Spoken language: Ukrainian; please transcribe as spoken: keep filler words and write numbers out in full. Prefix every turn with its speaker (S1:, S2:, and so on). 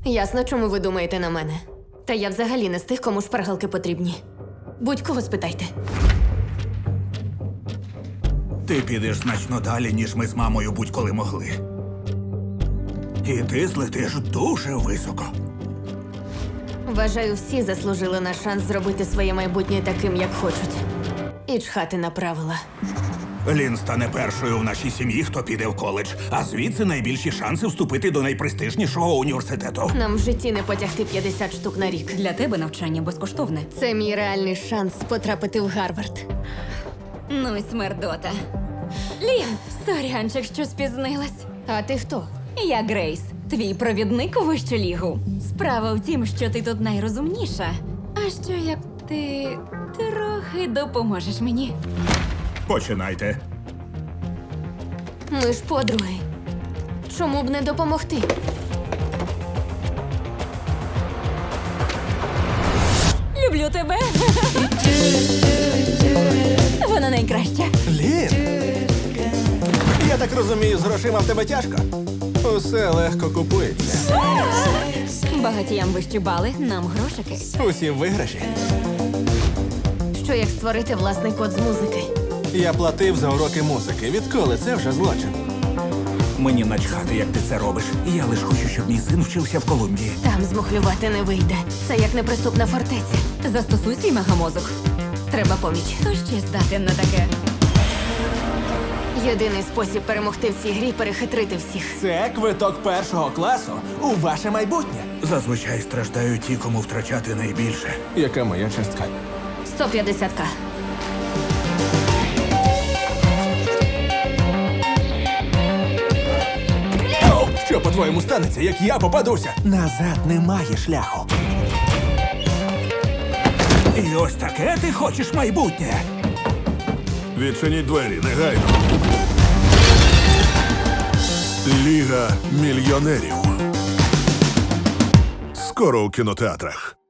S1: Ясно, чому ви думаєте на мене. Та я взагалі не з тих, кому шпаргалки потрібні. Будь-кого спитайте.
S2: Ти підеш значно далі, ніж ми з мамою будь-коли могли. І ти злетиш дуже високо.
S1: Вважаю, всі заслужили на шанс зробити своє майбутнє таким, як хочуть. І чхати на правила.
S2: Лін стане першою в нашій сім'ї, хто піде в коледж, а звідси найбільші шанси вступити до найпрестижнішого університету.
S1: Нам в житті не потягти п'ятдесят штук на рік.
S3: Для тебе навчання безкоштовне.
S1: Це мій реальний шанс потрапити в Гарвард.
S3: Ну й смердота. Лін, сорянчик, що спізнилась.
S1: А ти хто?
S3: Я Грейс, твій провідник у вищу лігу. Справа в тім, що ти тут найрозумніша. А що як ти трохи допоможеш мені?
S2: Починайте.
S1: Ми ж подруги. Чому б не допомогти?
S3: Люблю тебе. Вона найкраща.
S4: Лін! Я так розумію, з грошима в тебе тяжко? Усе легко купується.
S3: Багатіям вищі бали, нам грошики.
S4: Усі в виграші.
S1: Що як створити власний код з музики?
S4: Я платив за уроки музики. Відколи це вже злочин?
S2: Мені начхати, як ти це робиш. Я лиш хочу, щоб мій син вчився в Колумбії.
S1: Там змухлювати не вийде. Це як неприступна фортеця.
S3: Застосуй свій мегамозок.
S1: Треба поміч.
S3: Хто ще здатен на таке?
S1: Єдиний спосіб перемогти в цій грі – перехитрити всіх.
S4: Це квиток першого класу у ваше майбутнє.
S2: Зазвичай страждають ті, кому втрачати найбільше.
S4: Яка моя частка?
S1: сто п'ятдесят ка.
S4: Що, по-твоєму, станеться, як я попадуся? Назад немає шляху.
S2: І ось таке ти хочеш майбутнє.
S5: Відчиніть двері, негайно. Ліга мільйонерів. Скоро у кінотеатрах.